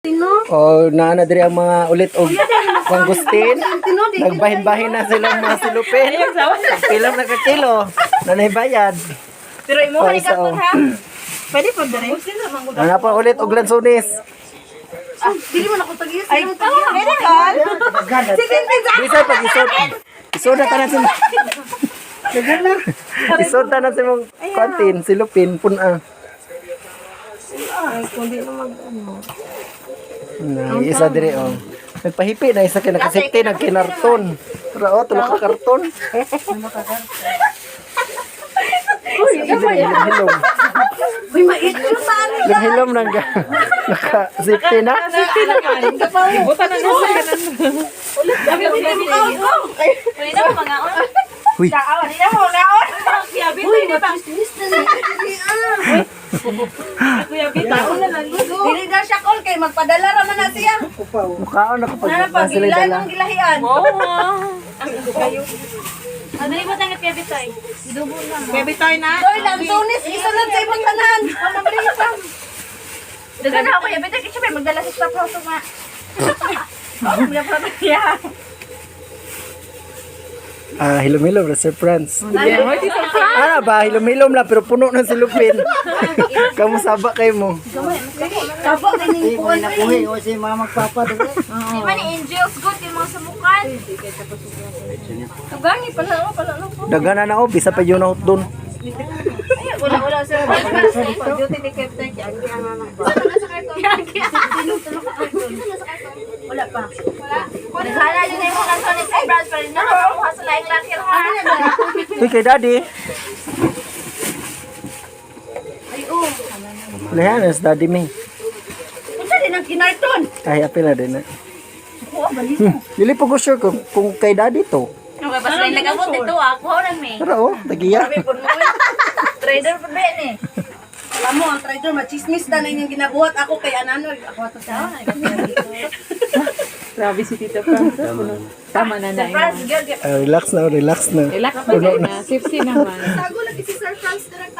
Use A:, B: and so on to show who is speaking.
A: O naana diri ang mga ulit og pangustin. Nagbahin-bahin na silang mga silupin. Pilang nakakilo. Nanay bayad.
B: Pero imo ni
A: Paisa,
B: ka
A: oh.
B: ha. Pwede po dere.
A: Ano pa ulit og lansones.
B: Dili mo na ko tagiyas. Ay, pwede ka. Sige,
A: Bisa pag isod. Isod na tanan sa Isod na sa mong kontin, silupin puna.
B: Ay, kundi na mag-ano.
A: Na isa dire oh. Nagpahipi na isa kay nakasipti nagkinarton. Pero oh, tulok ka karton. Uy, hilom.
B: Uy, mait ko saan?
A: Hilom nang naka-safety na.
B: Safety naman. Buta na nasa kanan. Ulit, dami ko ko. Pwede na mga on.
A: Uy.
B: Daawan, di na mo ngaon. Kuya Bita,
C: Uy,
B: di ba?
C: matis na na.
B: Kuya Bita, una lang lugo.
C: Dili na siya call kay magpadala ra man na siya.
A: Mukhaon ako pag
C: Nana pag
A: sila
C: ilay
A: dala.
C: mong gilahian.
B: Oo. Ano ni ba tangat Kuya Bita? Idubo na. Kuya Bita na.
C: Doy lang tunis isunod sa imong tanan.
B: Dagan na ako Kuya Bita, kasi may magdala sa staff house nga. Kuya Bita.
A: Hilom-hilom na Sir Franz. Ano ba, hilom-hilom na pero puno ng silupin. Kamu saba kayo mo.
C: Kabo dining kuan.
A: o si mama magpapa.
B: Di ba ni Angels good yung mga samukan? Tugangi pala ako.
A: Dagana na ako, bisa pa yun out doon.
B: Ay, wala sir. Duty ni Captain Jackie ang anak ba? Wala pa. Wala din na yung mga Sonic Brands pa rin na nakuha sa laing lakir ha.
A: Uy, kay daddy. Lehan, is daddy me.
C: Unsa din ang kinarton?
A: Ay, apil na din na. Dili po ko sure kung kay daddy to.
B: Okay, basta rin nag-abot dito ah. Kuha lang may.
A: Pero oh, tagiya.
B: Trader pa ba ni?
C: Alam mo ang trader machismis na inyong ginabuhat ako kay Ananoy. Ako to sa.
D: Grabe si Tita Franz. Tama na na.
B: Surprise girl.
A: Relax na, relax na.
D: Relax na na. Safety naman.
C: Tago lagi si Sir Franz direct